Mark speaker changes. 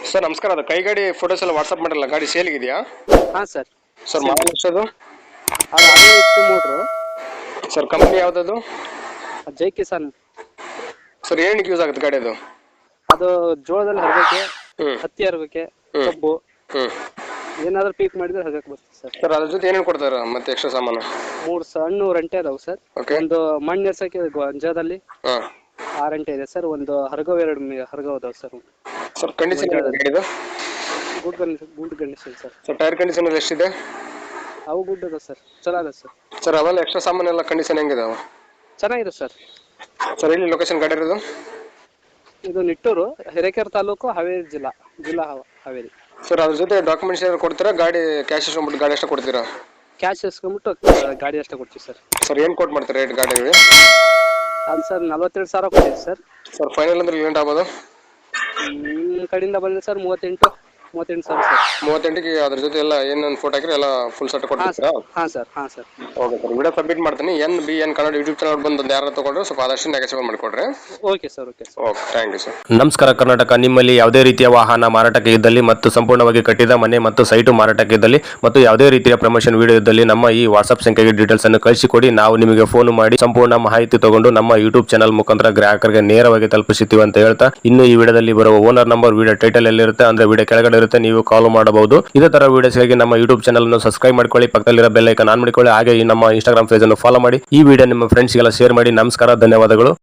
Speaker 1: Sir ನಮಸ್ಕಾರ. ಅದು ಕೈ ಗಾಡಿ ಫೋಟೋಸ್ ಎಲ್ಲ ವಾಟ್ಸಪ್ ಮಾಡಿರಲ್ಲ, ಗಾಡಿ ಸೇಲ್ಗಿದೆಯಾ
Speaker 2: ಹಾಂ ಸರ್.
Speaker 1: ಸರ್? ಮಾಡಲ್ ಎಷ್ಟದು
Speaker 2: ಅದು ಅದೇ ಇತ್ತು ಮೋಟ್ರು.
Speaker 1: ಸರ್? ಕಂಪ್ನಿ ಯಾವುದದು
Speaker 2: ಜೈ ಕಿಸಾನ್.
Speaker 1: ಸರ್? ಏನಕ್ಕೆ ಯೂಸ್ ಆಗುತ್ತೆ ಗಾಡಿ ಅದು?
Speaker 2: ಅದು ಜೋಳದಲ್ಲಿ ಹರಗಕ್ಕೆ,
Speaker 1: ಹ್ಮ್
Speaker 2: ಹತ್ತಿ ಹರಗಕ್ಕೆ,
Speaker 1: ಹ್ಮ್.
Speaker 2: ಕಬ್ಬು
Speaker 1: ಹ್ಮ್
Speaker 2: ಏನಾದ್ರೂ ಪೀಕ್ ಮಾಡಿದ್ರೆ ಹರಗಕ್ಕೆ ಬರ್ತದೆ ಸರ್.
Speaker 1: ಸರ್ ಅದ್ರ ಜೊತೆ ಏನೇನು ಕೊಡ್ತಾರೆ ಮತ್ತೆ ಎಕ್ಸ್ಟ್ರಾ ಸಾಮಾನು?
Speaker 2: 3 ಸಣ್ಣ ರಂಟೆ ಅದಾವೆ ಸರ್.
Speaker 1: ಓಕೆ.
Speaker 2: ಒಂದು ಮಣ್ಣು ಎರ್ಸಕ್ಕೆ ಗೊಂಜಾದಲ್ಲಿ
Speaker 1: ಹಾಂ
Speaker 2: 6 ರಂಟೆ ಇದೆ ಸರ್. ಒಂದು ಹರಗವ್ 2 ಹರಗವ್ ಅದಾವೆ ಸರ್.
Speaker 1: ಸರ್ ಕಂಡೀಷನ್ ಗಾಡಿದು?
Speaker 2: Good condition sir.
Speaker 1: Sir tyre condition ಎಲ್ಲ ಎಷ್ಟಿದೆ?
Speaker 2: ಅವು ಗುಡ್ ಅದ ಸರ್, ಚಲೋ ಅದ ಸರ್.
Speaker 1: ಸರ್ ಅವೆಲ್ಲ ಎಕ್ಸ್ಟ್ರಾ ಸಾಮಾನು ಎಲ್ಲ ಕಂಡೀಷನ್ ಹೆಂಗಿದಾವೆ?
Speaker 2: ಚೆನ್ನಾಗಿದೆ ಸರ್.
Speaker 1: ಸರ್ ಎಲ್ಲಿ ಲೊಕೇಶನ್ ಗಾಡಿ ಇರೋದು?
Speaker 2: ಇದು ನಿಟ್ಟೂರು, ಹಿರೇಕೆರೆ ತಾಲೂಕು, ಹಾವೇರಿ ಜಿಲ್ಲಾ ಹಾವೇರಿ.
Speaker 1: ಸರ್ ಅದ್ರ ಜೊತೆ ಡಾಕ್ಯುಮೆಂಟ್ಸ್ ಏನಾದ್ರು ಕೊಡ್ತೀರಾ? ಗಾಡಿ ಕ್ಯಾಶ್ ಇಸ್ಕೊಂಡ್ಬಿಟ್ಟು ಗಾಡಿ ಎಷ್ಟು ಕೊಡ್ತೀರಾ?
Speaker 2: ಕ್ಯಾಶ್ ಇಸ್ಕೊಂಡ್ಬಿಟ್ಟು ಗಾಡಿ ಅಷ್ಟೇ ಕೊಡ್ತೀವಿ ಸರ್.
Speaker 1: ಸರ್ ಏನು ಕೊಟ್ಟು ಮಾಡ್ತೀರಾ ರೇಟ್ ಗಾಡಿಗೆ?
Speaker 2: ಅದು ಸರ್ 42,000 ಕೊಡ್ತೀವಿ ಸರ್.
Speaker 1: ಸರ್ ಫೈನಲ್ ಅಂದ್ರೆ ಲೇಟ್ ಆಗ್ಬೋದು?
Speaker 2: ನಿಮ್ಮ ಕಡೆಯಿಂದ ಬಂದರೆ ಸರ್ 38,000 ಸರ್.
Speaker 1: 38ಗೆ ಅದ್ರ ಜೊತೆ ಎಲ್ಲ ಏನೇನು ಫೋಟೋ ಹಾಕಿರಿ ಎಲ್ಲ ಫುಲ್ ಸೆಟ್ ಕೊಡ್ತೀರಾ?
Speaker 2: ಹಾಂ sir.
Speaker 1: Okay sir, video submit ಮಾಡ್ತೀನಿ. NBN ಕನ್ನಡ ಯೂಟ್ಯೂಬ್ ಚಾನಲ್ ಬಂದು ಯಾರು ತಗೊಂಡ್ರೆ ಸ್ವಲ್ಪ ಆದಷ್ಟು ನೆಗೆಸಿಬಲ್ ಮಾಡಿಕೊಡ್ರಿ.
Speaker 2: Okay sir.
Speaker 1: Okay, thank you sir.
Speaker 3: ನಮಸ್ಕಾರ ಕರ್ನಾಟಕ. ನಿಮ್ಮಲ್ಲಿ ಯಾವುದೇ ರೀತಿಯ ವಾಹನ ಮಾರಾಟಕ್ಕೆ ಇದ್ದಲ್ಲಿ ಮತ್ತು ಸಂಪೂರ್ಣವಾಗಿ ಕಟ್ಟಿದ ಮನೆ ಮತ್ತು ಸೈಟು ಮಾರಾಟಕ್ಕೆ ಇದ್ದಲ್ಲಿ ಮತ್ತು ಯಾವುದೇ ರೀತಿಯ ಪ್ರಮೋಷನ್ ವಿಡಿಯೋ ಇದ್ದಲ್ಲಿ ನಮ್ಮ ಈ ವಾಟ್ಸ್ಆಪ್ ಸಂಖ್ಯೆಗೆ ಡೀಟೇಲ್ಸ್ ಅನ್ನು ಕಳಿಸಿಕೊಡಿ. ನಾವು ನಿಮಗೆ ಫೋನ್ ಮಾಡಿ ಸಂಪೂರ್ಣ ಮಾಹಿತಿ ತಗೊಂಡು ನಮ್ಮ ಯೂಟ್ಯೂಬ್ ಚಾನಲ್ ಮುಖಾಂತರ ಗ್ರಾಹಕರಿಗೆ ನೇರವಾಗಿ ತಲುಪಿಸುತ್ತೀವಿ ಅಂತ ಹೇಳ್ತಾ, ಇನ್ನು ಈ ವಿಡಿಯೋದಲ್ಲಿ ಬರುವ ಓನರ್ ನಂಬರ್ ವಿಡಿಯೋ ಟೈಟಲ್ ಎಲ್ಲಿರುತ್ತೆ ಅಂದ್ರೆ ವಿಡಿಯೋ ಕೆಳಗಡೆ ಇರುತ್ತೆ, ನೀವು ಕಾಲ್ ಮಾಡಬಹುದು. ಇದೇ ತರ ವಿಡಿಯೋಸ್ಗಾಗಿ ನಮ್ಮ ಯೂಟ್ಯೂಬ್ ಚಾನಲ್ ಅನ್ನು ಸಬ್ಸ್ಕ್ರೈಬ್ ಮಾಡ್ಕೊಳ್ಳಿ, ಪಕ್ಕದಲ್ಲಿರೋ ಬೆಲ್ ಐಕಾನ್ ಆನ್ ಮಾಡಿಕೊಳ್ಳಿ. ಹಾಗೆ ಈ ನಮ್ಮ ಇನ್ಸ್ಟಾಗ್ರಾಮ್ ಪೇಜ್ ಅನ್ನು ಫಾಲೋ ಮಾಡಿ. ಈ ವಿಡಿಯೋ ನಿಮ್ಮ ಫ್ರೆಂಡ್ಸ್ಗೆಲ್ಲ ಶೇರ್ ಮಾಡಿ. ನಮಸ್ಕಾರ, ಧನ್ಯವಾದಗಳು.